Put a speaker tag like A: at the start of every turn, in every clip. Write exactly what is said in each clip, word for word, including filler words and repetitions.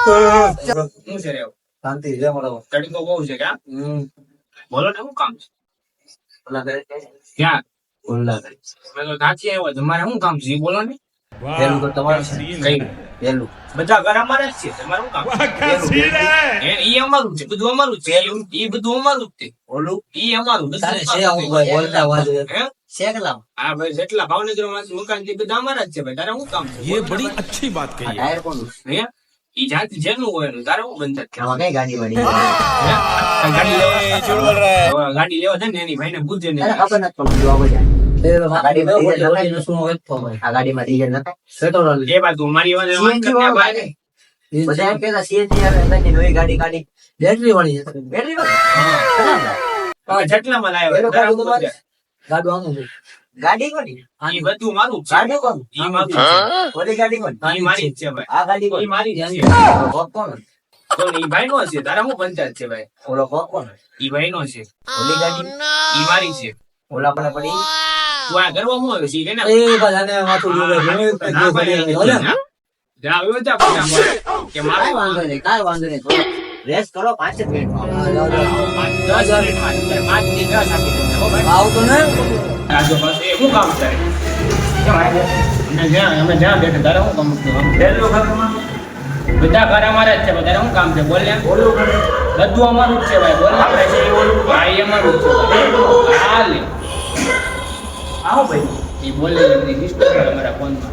A: હું છે રે
B: શાંતિ છે મળો
A: તડકો બહુ છે કે
B: હમ
A: બોલો ને શું કામ છે
B: ઓલા કરે
A: ક્યાં
B: ઓલા કરે
A: મેં તો નાચી આવ્યો તમારે શું કામ છે ઈ બોલો ને
B: પેલું તો તમારું છે
A: કઈ
B: પેલું
A: બધા ઘર અમારે જ છે તમારે શું કામ એ ઈ અમારું છે બધું અમારું જ છે ઈ બધું અમારું જ છે
B: ઓલું
A: ઈ અમારું બધું
B: તારે છે
A: અમારું
B: હું
A: છે.
B: ભાઈ બોલતા વાજ
A: હે
B: છે કેટલા
A: હા ભાઈ જેટલા ભાવનગર માં મકાન છે એ બધા અમારા જ છે ભાઈ તારે શું કામ છે
C: ये बड़ी अच्छी बात
B: આ
C: कही है
B: ટાયર કોનું
A: હે ઈ જાતિ જેનું હોય એનું તારે શું બંધ છે
B: આમાં કઈ ગાડી વાડી
A: હે? ગાડી લેવા હવે ગાડી લેવા છે ને એની ભાઈને પૂછજે ને
B: અરે ખબર નથી પડતી જોવા બધા આ ગાડીમાં ડીઝલ નખાય શું હોય તો ભાઈ આ ગાડીમાં ડીઝલ નખાય પેટ્રોલ
A: એ બાજુ મારી વાત વાત
B: સીએનજી
A: કરતા
B: વાળું
A: ભાઈ
B: બધા એમ કહેતા સીએનજી આવે એટલે નવી ગાડી કાઢી બેટરી વાળી છે બેટરી વાળી
A: હવે જેટલામાં લાવ્યો
B: એનો
A: તારે
B: કાઢું
A: શું
B: તમારે?
A: છે?
B: ગાડું આનું છે ગાડી કોની
A: ઈ બધું મારું જ છે
B: ગાડી કોનું
A: ઈ મારું જ છે
B: ઓલી ગાડી કોની
A: ઈ મારી જ છે ભાઈ
B: આ ગાડી
A: ઈ
B: કોની
A: મારી જ છે
B: કોક કોણ
A: તો ઈ ભાઈ નો છે તારા શું પંચાયત છે ભાઈ
B: ઓલો કોક કોણ
A: ઈ ભાઈ નો છે
B: ઓલી ગાડી
A: ઈ મારી છે
B: ઓલા પડે પડી
A: તું આ કરવા શું આવ્યો છે ઈ કે ના
B: એ બધાને માથું જોવે
A: ના ભાઈ, જા આવ્યો જા પછી આમ કે મારે
B: કાઈ વાંધો નહીં કાઈ વાંધો નહીં થોડો રેસ્ટ કરો પાંચ જ મિનિટમાં
A: પાંચ દસ મિનિટમાં જ પાંચ થી દસ આપી દેજો હો ભાઈ
B: આવતો ને
A: આ જો બસ એ શું કામ કરે અમે જ્યાં અમે જ્યાં બેઠા તારે શું કામ છે?
B: પહેલું ઘરમાં
A: બધા ઘર અમારા જ છે બધા શું કામ છે બોલ ને
B: ઓલું ઘર
A: બધું અમારું જ છે ભાઈ બોલ ને
B: આપણે છે એ ઓલું
A: હા એ અમારું જ છે હા લે
B: આવો ભાઈ
A: એ બોલે એમની હિસ્ટ્રી છે અમારા ફોનમાં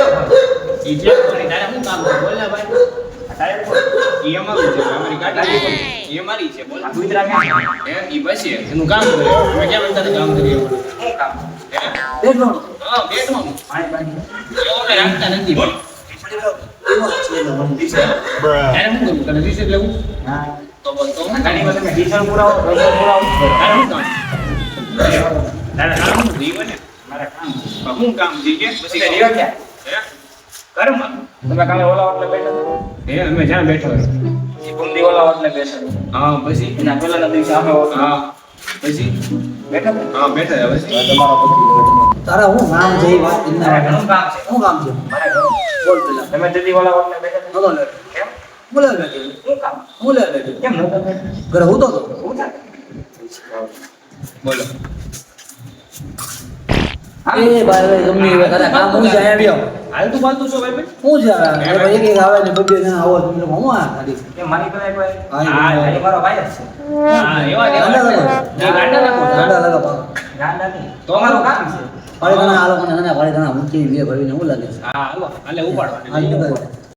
A: એ જે કોની તારે શું કામ છે બોલ ને ભાઈ
B: તારે કોણ
A: એ અમારું છે અમારી ગાડી છે. એ અમારી છે બોલ
B: ગુજરાત ક્યાં
A: હે એ બસી એનું કામ કરે અમે કેમ અંતર કામ કરીએ
B: શું કામ
A: હે
B: બેઠો
A: હા બેઠવાનું
B: પાણી પાણી
A: એવું અમે રાખતા નથી ભાઈ
B: એવો છે તો બંધી છે
A: તારે શું કરવું તને રિસીટ લેવું
B: હા
A: તો બોલ તો હું
B: ગાડીમાં તમે ડીઝલ પુરાવો પેટ્રોલ પુરાવો
A: તારે શું કામ તારે કામ શું જીવે ને
B: મારા કામ
A: પણ શું કામ છે કે પછી
B: તમે રહ્યો ક્યાં
A: હે ઘરમાં
B: તમે કાલે ઓલા ઓટલે બેઠા હતા
A: હે અમે જ્યાં બેઠો હોય
B: એ ગુમદી ઓલા ઓટલે બેઠા હતા
A: હા પછી
B: એના પહેલાના દિવસે અમે ઓટલે
A: હા પછી
B: બેઠા હતા
A: હા બેઠા હતા પછી
B: તમારા પછી તારા હું નામ છે વાત ઇન્ના ઘણું કામ છે શું કામ છે મારા ઘણું બોલ પેલા તમે જલ્દી ઓલા ઓટલે બેઠા હતા બોલો કેમ બોલે લે શું કામ બોલે લે કેમ નતો ઘરે હું તો તો હું થાય
A: બોલો
B: એ ભાઈ ભાઈ ગમે એ કદા કામ હું જાય આવ્યો
A: હાલ તું બોલતું છો ભાઈ ભાઈ
B: હું છે ભાઈ એક એક આવે ને બબ્બે જણા આવો તમે હું આ ગાડી
D: કે મારી પાસે કોઈ
B: હા
D: આ મારો ભાઈ જ છે
A: હા એવા
B: ગાંડા
A: એવા
B: લગાવો.
A: ના ગાંડા રાખો
B: ગાંડા લગાવો
D: ગાંડા નહીં તો અમારું કામ છે
B: પાડી ઘણા આ લોકોને ઘણા પાડી ઘણા ઊંચી બે ભરીને હું લાગે છે
A: હા હાલો હાલે ઉપાડવા
B: આ ઈ કરે.